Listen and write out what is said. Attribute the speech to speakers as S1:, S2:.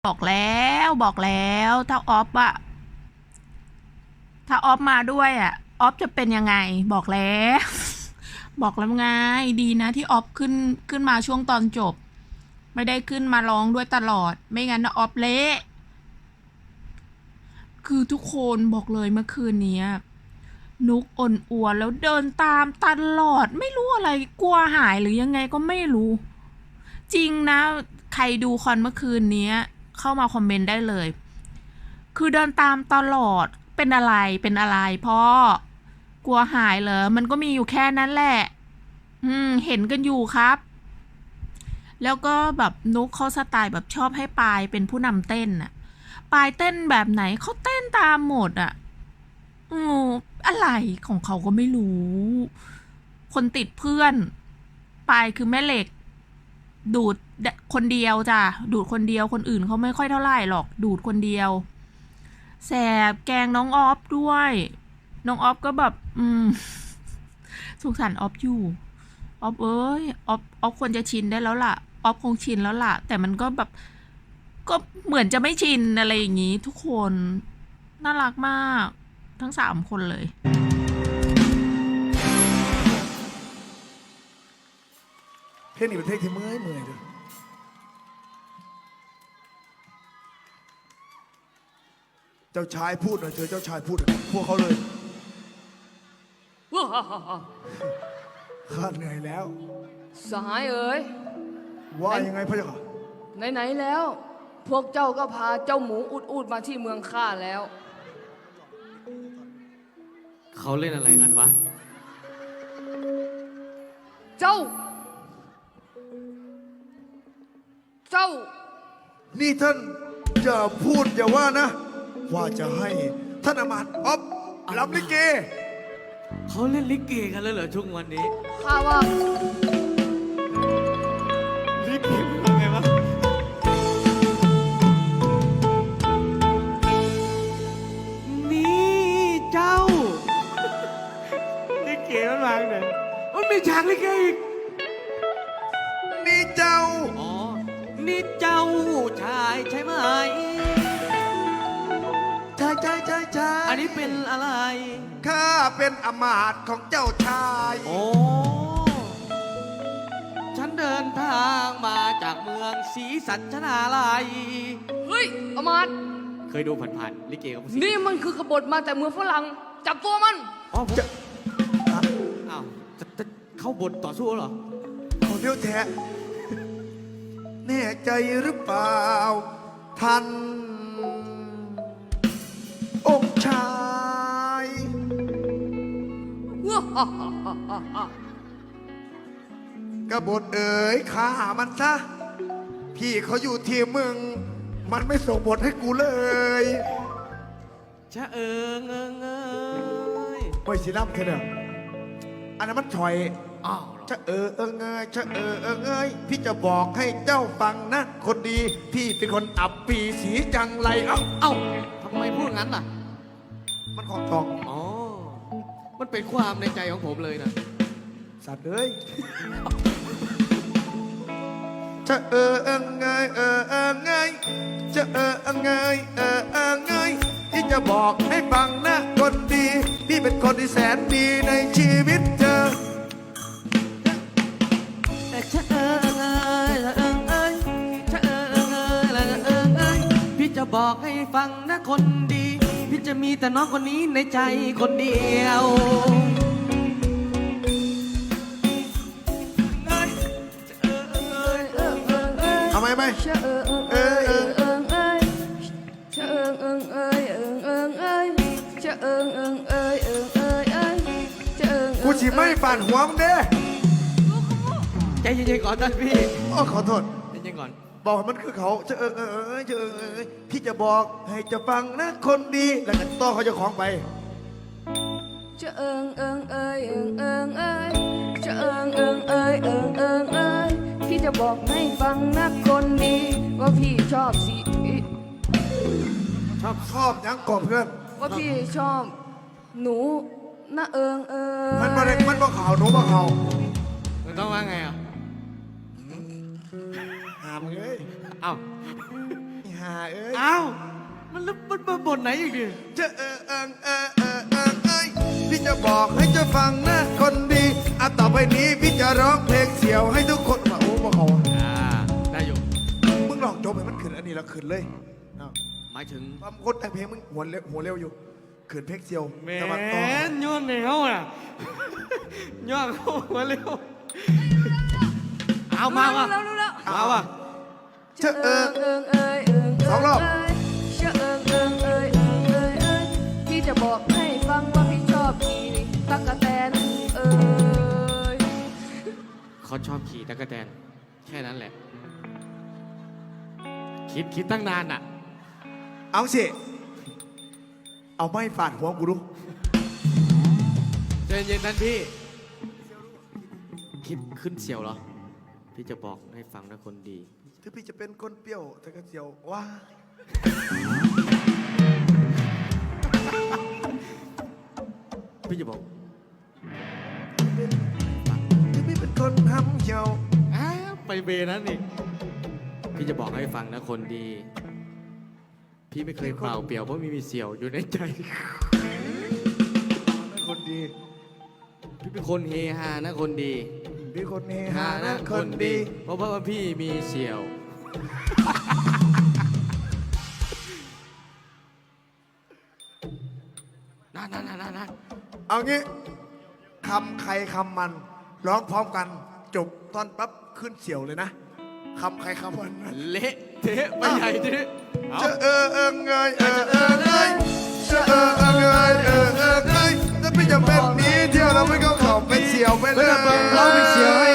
S1: บอกแล้วถ้าออฟอะถ้าออฟมาด้วยอะออฟจะเป็นยังไงบอกแล้ว บอกแล้วไงดีนะที่ออฟขึ้นมาช่วงตอนจบไม่ได้ขึ้นมาร้องด้วยตลอดไม่งั้นนะออฟเละคือทุกคนบอกเลยเมื่อคืนนี้นุกอ่อนอัวแล้วเดินตามตลอดไม่รู้อะไรกลัวหายหรือยังไงก็ไม่รู้จริงนะใครดูคอนเมื่อคืนนี้เข้ามาคอมเมนต์ได้เลยคือเดินตามตลอดเป็นอะไรพ่อกลัวหายเหรอมันก็มีอยู่แค่นั้นแหละเห็นกันอยู่ครับ แล้วก็แบบนุกเขาสไตล์แบบชอบให้ปายเป็นผู้นำเต้นน่ะปายเต้นแบบไหนเขาเต้นตามหมดอ่ะอืออะไรของเขาก็ไม่รู้ คนติดเพื่อนปายคือแม่เหล็ก ดูดคนเดียวจ้ะดูดคนเดียวคนอื่นเขาไม่ค่อยเท่าไหร่หรอกดูดคนเดียวแสบแกงน้องออฟด้วยน้องออฟก็แบบสงสารออฟอยู่ออฟเอ้ยออฟควรจะชินได้แล้วล่ะออฟคงชินแล้วล่ะแต่มันก็แบบก็เหมือนจะไม่ชินอะไรอย่างนี้ทุกคนน่ารักมากทั้ง3 คนเลย
S2: เพลงนี้เป็นเพลงที่เมื่อยเลยเจ้าชายพูดหน่อยเธอเจ้าชายพูดพวกเขาเลยข้าเหนื่อยแล้ว
S3: สหายเอ๋ย
S2: ว่ายังไงพระเจ้าค่ะ
S3: ไหนๆแล้ว พวกเจ้าก็พาเจ้าหมูอุดมาที่เมืองข้าแล้ว
S4: เขาเล่นอะไรกันวะ
S3: เจ้า
S2: นี่ท่านอย่าพูดอย่าว่านะ ว่าจะให้ท่านอมาตย์อ๊อฟรำลิเก
S4: เขาเล่นลิเกกันแล้วเหรอช่วงวันนี้
S3: ข้าว่า
S4: ลิเกเป็นไงวะนี่เจ้าลิเกมันวางไหนมันมีฉากลิเกอีก
S2: นี่เจ้า
S4: อ๋อนี่เจ้าชายใช่ไหม
S2: ใช่
S4: อันนี้เป็นอะไร
S2: ข้าเป็นอมาตย์ของเจ้าชาย
S4: โอ้ฉันเดินทางมาจากเมืองศรีสัชนาลัย
S3: เฮ้ยอมาตย์
S4: เคยดูผ่านๆลิเกกับ
S3: นี่มันคือกบฏมาแต่เมืองฝรั่งจับตัวมัน
S4: อ๋อจะอ้าวจะเข้าบทต่อสู้เหรอ
S2: เขาเลี้ยวแท้แน่ใจหรือเปล่าท่านองค์ชายกบฏเอ๋ยฆ่ามันซะพี่เขาอยู่ที่มึงมันไม่ส่งบทให้กูเลย
S4: ชะ
S2: ไม่สิน้ำแค่เดิมอันนั้นมันถอย
S4: อ้าว
S2: ชะชะพี่จะบอกให้เจ้าฟังนะคนดีพี่เป็นคนอับปีสีจังไร
S4: เอ้าทำไมพูดงั้นล่ะ
S2: มันของทอง
S4: อ๋อมันเป็นความในใจของผมเลยนะ
S2: สัตว์เอ้ยชะชะที่จะบอกให้ฟังนะคนดีพี่เป็นคนที่แสนดีในชีวิตเธอ
S4: พี่จะบอกให้ฟังนะคนดีพี่จะมีแต่น้องคนนี้ในใจคนเดียว
S2: ทำไมกูฉีไม่ปั่นหัวมึงเด้
S4: ใจเย็นๆก่อนท่านพี่
S2: ขอโทษ
S4: ใจเย็นก่อน
S2: บอกมันคือเขาพี่จะบอกให้จะฟังนะคนดีแล้วกันต่อเขาจะของไป
S3: พี่จะบอกให้ฟังนะคนดีว่าพี่ชอบสี
S2: ชอบยังกบเพื่อน
S3: ว่าพี่ชอบหนูนะ
S2: มันบ่ข่าวหนูบ่ข่าว
S4: มันต้องว่าไง
S2: หามเลย
S4: เอ้า
S2: าเอ้ย
S4: อ้าวมันบทไหนอีกดิ
S2: จะพี่จะบอกให้เจะฟังนะคนดีอ่ะต่อไปนี้พี่จะร้องเพลงเสียวให้ทุกคนมาโอ้มาเขา
S4: ได้อยู่
S2: มึงลองจบให้มันขึ้นอันนี้แล้วขึ้นเลยเอา
S4: หมายถึง
S2: ความคนแต่งเพลงมึงหัวเร็วอยู่ขึ้นเพลงเสียว
S4: แม
S2: แต่ว่าต่อน
S4: ย้อนเหนียวน่ะย้อนเข้ามาเร็วเอามาว่ะ
S3: แล้วแล้ว
S4: มาว่ะ
S2: เจะ
S3: เอิงเอ้ย
S2: สองรอบ
S3: เอิงเอ้ยพี่จะบอกให้ฟังว่าพี่ชอบขี่ตั๊กแตนเอ้ย
S4: เขาชอบขี่ตะกแตนแค่นั้นแหละ คิดตั้งนานอ่ะ
S2: เอาสิ เอาไม้ฟาดหัวกูดู
S4: ใจเย็นนั้นพี่ คิดขึ้นเสียวเหรอ พี่จะบอกให้ฟังนะคนดี
S2: ถึงพี่จะเป็นคนเปรี้ยวแต่ก็เสียวว้า
S4: พี่จะบอก
S2: ถึงพี่เป็นคนทำเหี่ยว
S4: ไปเบนั้นอีกพี่จะบอกให้ฟังนะคนดี พี่ไม่เคยเปล่าเปลี่ยวเพราะมีเสี่ยวอยู่ในใจ
S2: เป็นคนดี
S4: พี่เป็นคนเฮฮานะคนดี
S2: พี่คนเฮฮานะคนดี
S4: เพราะว่าพี่มีเสี่ยว นั่น
S2: เอางี้คำใครคำมัน ร้องพร้อมกันจบตอนปั๊บขึ้นเสียวเลยนะคำใครคำมันนะ
S4: เละเทะไปใหญ่ทีนี้เอา
S2: จะเงยจะเงยถ้าพี่จะเป็นนี้เที่ยวเราไม่ก็เข้าไปเสียวไปเลย
S4: เราไปเสียวให้